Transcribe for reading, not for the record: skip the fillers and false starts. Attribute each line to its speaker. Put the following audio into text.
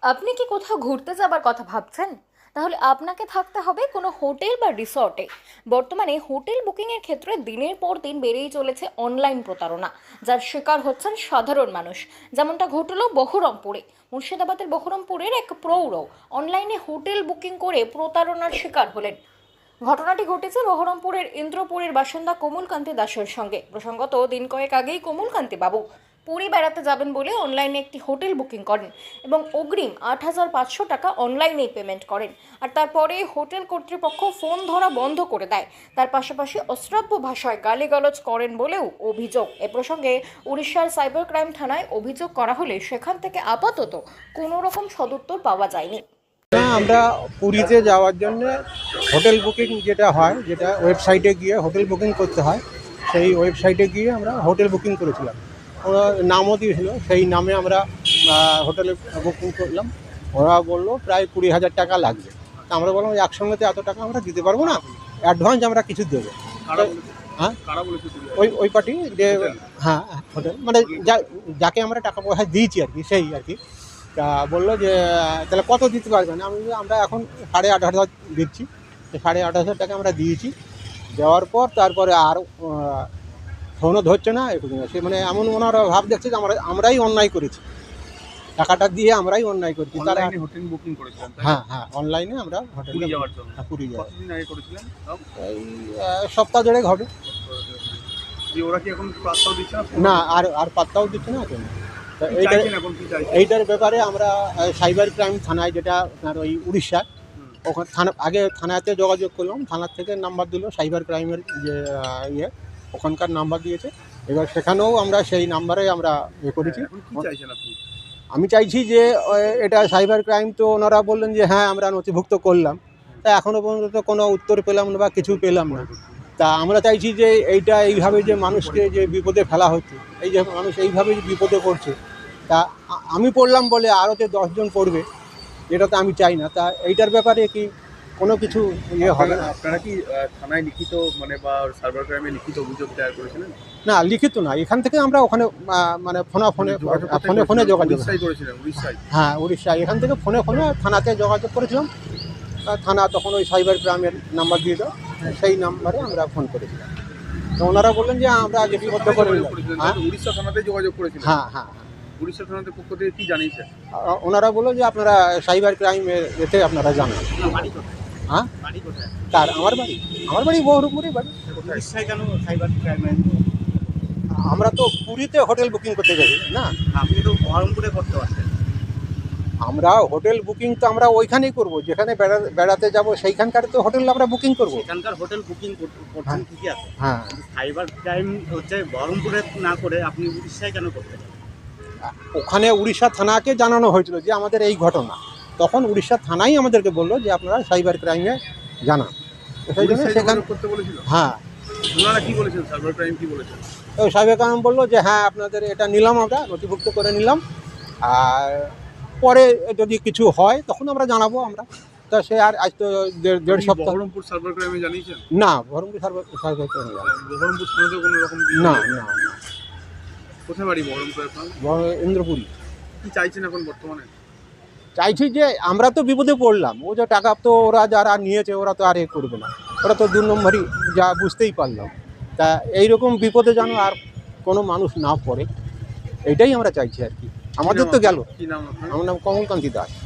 Speaker 1: আপনি কি কোথাও ঘুরতে যাবার কথা ভাবছেন? তাহলে আপনাকে থাকতে হবে কোনো হোটেল বা রিসর্টে। বর্তমানে হোটেল বুকিংয়ের ক্ষেত্রে দিনের পর দিন বেড়েই চলেছে অনলাইন প্রতারণা, যার শিকার হচ্ছেন সাধারণ মানুষ। যেমনটা ঘটল বহরমপুরে। মুর্শিদাবাদের বহরমপুরের এক প্রৌঢ় অনলাইনে হোটেল বুকিং করে প্রতারণার শিকার হলেন। ঘটনাটি ঘটেছে বহরমপুরের ইন্দ্রপুরের বাসিন্দা কোমলকান্তি দাসের সঙ্গে। প্রসঙ্গত, দিন কয়েক আগেই কোমলকান্তি বাবু পুরী বেড়াতে যাবেন বলে অনলাইনে একটি হোটেল বুকিং করেন এবং অগ্রিম ৮৫০০ টাকা অনলাইনেই পেমেন্ট করেন। আর তারপরে হোটেল কর্তৃপক্ষ ফোন ধরা বন্ধ করে দেয়। তার পাশাপাশি অশ্রাব্য ভাষায় গালিগালাজ করেন বলেও অভিযোগ। এ প্রসঙ্গে উড়িষ্যার সাইবার ক্রাইম থানায় অভিযোগ করা হলে সেখান থেকে আপাতত কোনো রকম সদুত্তর পাওয়া যায়নি।
Speaker 2: আমরা পুরীতে যাওয়ার জন্য হোটেল বুকিং যেটা হয়, যেটা ওয়েবসাইটে গিয়ে হোটেল বুকিং করতে হয়, সেই ওয়েবসাইটে গিয়ে আমরা হোটেল বুকিং করেছিলাম। ওরা নামও দিয়েছিল, সেই নামে আমরা হোটেলে বুকিং করলাম। ওরা বললো প্রায় ২০,০০০ টাকা লাগবে। তা আমরা বললাম একসঙ্গে তো এত টাকা আমরা দিতে পারবো না, অ্যাডভান্স আমরা কিছু দেবো। হ্যাঁ, ওই পার্টি যে, হ্যাঁ হোটেল মানে যাকে আমরা টাকা পয়সা দিয়েছি আর কি, সেই আর কি। তা বললো যে তাহলে কত দিতে পারবেন? আমরা এখন ৮,৫০০ দিচ্ছি। ৮,৫০০ টাকা আমরা দিয়েছি। দেওয়ার পর তারপরে আর ফোনও ধরছে না, সে মানে এমন ওনারা ভাব দেখছে যে আমরাই অন্যায় করেছি, টাকাটা দিয়ে আমরাই অন্যায় করেছি। তারা
Speaker 3: হোটেল বুকিং করেছিলেন?
Speaker 2: হ্যাঁ হ্যাঁ, অনলাইনে আমরা
Speaker 3: পুরী যাওয়ার জন্য।
Speaker 2: পুরী যাওয়ার।
Speaker 3: কতদিন আগে করেছিলেন?
Speaker 2: এই সপ্তাহ দেড়েক হবে।
Speaker 3: ওরা কি এখন পাত্তাও দিচ্ছে না?
Speaker 2: না, আর পাত্তাও দিচ্ছে না কেন।
Speaker 3: এইটার
Speaker 2: ব্যাপারে আমরা সাইবার ক্রাইম থানায়, যেটা আপনার ওই উড়িষ্যা, ওখানে আগে থানাতে যোগাযোগ করলাম। থানার থেকে নাম্বার দিল, সাইবার ক্রাইমের যে ওখানকার নাম্বার দিয়েছে। এবার সেখানেও আমরা সেই নাম্বারে আমরা করেছি। আমি চাইছি যে এটা সাইবার ক্রাইম, তো ওনারা বললেন যে হ্যাঁ আমরা নথিভুক্ত করলাম। তা এখনও পর্যন্ত কোনো উত্তর পেলাম না বা কিছু পেলাম না। তা আমরা চাইছি যে এইভাবে যে মানুষকে যে বিপদে ফেলা হচ্ছে, এই যে মানুষ এইভাবে যে বিপদে পড়ছে, তা আমি পড়লাম বলে আরও যে 10 জন পড়বে, এটা তো আমি চাই না। তা এইটার ব্যাপারে কি কোনো কিছু হবে না?
Speaker 3: আপনারা কি থানায় লিখিত বা সাইবার ক্রাইমে লিখিত অভিযোগ দায়ের করেছিলেন?
Speaker 2: না, লিখিত না, এখান থেকে আমরা ওখানে মানে ফোনে যোগাযোগ
Speaker 3: করেছিলেন।
Speaker 2: হ্যাঁ, উড়িষ্যায় এখান থেকে ফোনে থানাতে যোগাযোগ করেছিলাম। থানা তখন ওই সাইবার ক্রাইমের নাম্বার দিয়ে দাও, সেই নাম্বারে আমরা ফোন করেছিলাম। তো ওনারা বললেন যে আমরা লিপিবদ্ধ করে নিলাম।
Speaker 3: উড়িষ্যা থানাতে যোগাযোগ করেছিলেন?
Speaker 2: হ্যাঁ হ্যাঁ হ্যাঁ।
Speaker 3: উড়িষ্যা থানাতে পক্ষ থেকে কি জানিয়েছে?
Speaker 2: ওনারা বললো যে আপনারা সাইবার ক্রাইমের এতে আপনারা জানান। হ্যাঁ, তার আমার বাড়ি বহরমপুরে বাড়ি।
Speaker 3: উড়িষ্যায় কেন সাইবার ক্রাইমে?
Speaker 2: আমরা তো পুরীতে হোটেল বুকিং করতে যাই না,
Speaker 3: আপনি তো বহরমপুরে করতে পারতেন।
Speaker 2: আমরা হোটেল বুকিং তো আমরা ওইখানেই করব, যেখানে বেড়াতে যাব সেইখানকার তো হোটেল আমরা বুকিং করব।
Speaker 3: এখানকার হোটেল বুকিং করছেন ঠিকই আছে।
Speaker 2: হ্যাঁ,
Speaker 3: সাইবার ক্রাইম হচ্ছে বহরমপুরে না করে আপনি উড়িষ্যায় কেন করতেন?
Speaker 2: ওখানে উড়িষ্যা থানাকে জানানো হয়েছিল যে আমাদের এই ঘটনা। তখন উড়িষ্যা থানাই আমাদেরকে বললো যে আপনারা সাইবার ক্রাইমে জানান। সেই জন্য সেখানে
Speaker 3: করতে বলেছিল।
Speaker 2: হ্যাঁ,
Speaker 3: ওনারা কি বলেছেন? সাইবার ক্রাইম কি বলেছেন?
Speaker 2: ওই সাইবার ক্রাইম বললো যে হ্যাঁ আপনাদের এটা নিলাম, আমরা নথিভুক্ত করে নিলাম, আর পরে যদি কিছু হয় তখন আমরা জানাবো আমরা। তা সে আর আজ তো দেড় সপ্তাহ।
Speaker 3: বহরমপুর সাইবার ক্রাইমে জানিয়েছেন?
Speaker 2: না, বহরমপুর সাইবার ক্রাইমে
Speaker 3: বহরমপুর থানাতে কোনো রকম
Speaker 2: না।
Speaker 3: কোথায় বাড়ি বহরমপুর আপনার?
Speaker 2: ইন্দ্রপুরী।
Speaker 3: কি চাইছেন এখন বর্তমানে?
Speaker 2: চাইছি যে আমরা তো বিপদে পড়লাম, ও যে টাকা তো ওরা যারা নিয়েছে ওরা তো আর করবে না, ওরা তো 2 নম্বরই, যা বুঝতেই পারলাম। তা এইরকম বিপদে যেন আর কোনো মানুষ না পড়ে, এটাই আমরা চাইছি আর কি। আমাদের তো গেল।
Speaker 3: কি নাম আপনার?
Speaker 2: আমার নাম কোমলকান্তি দাস।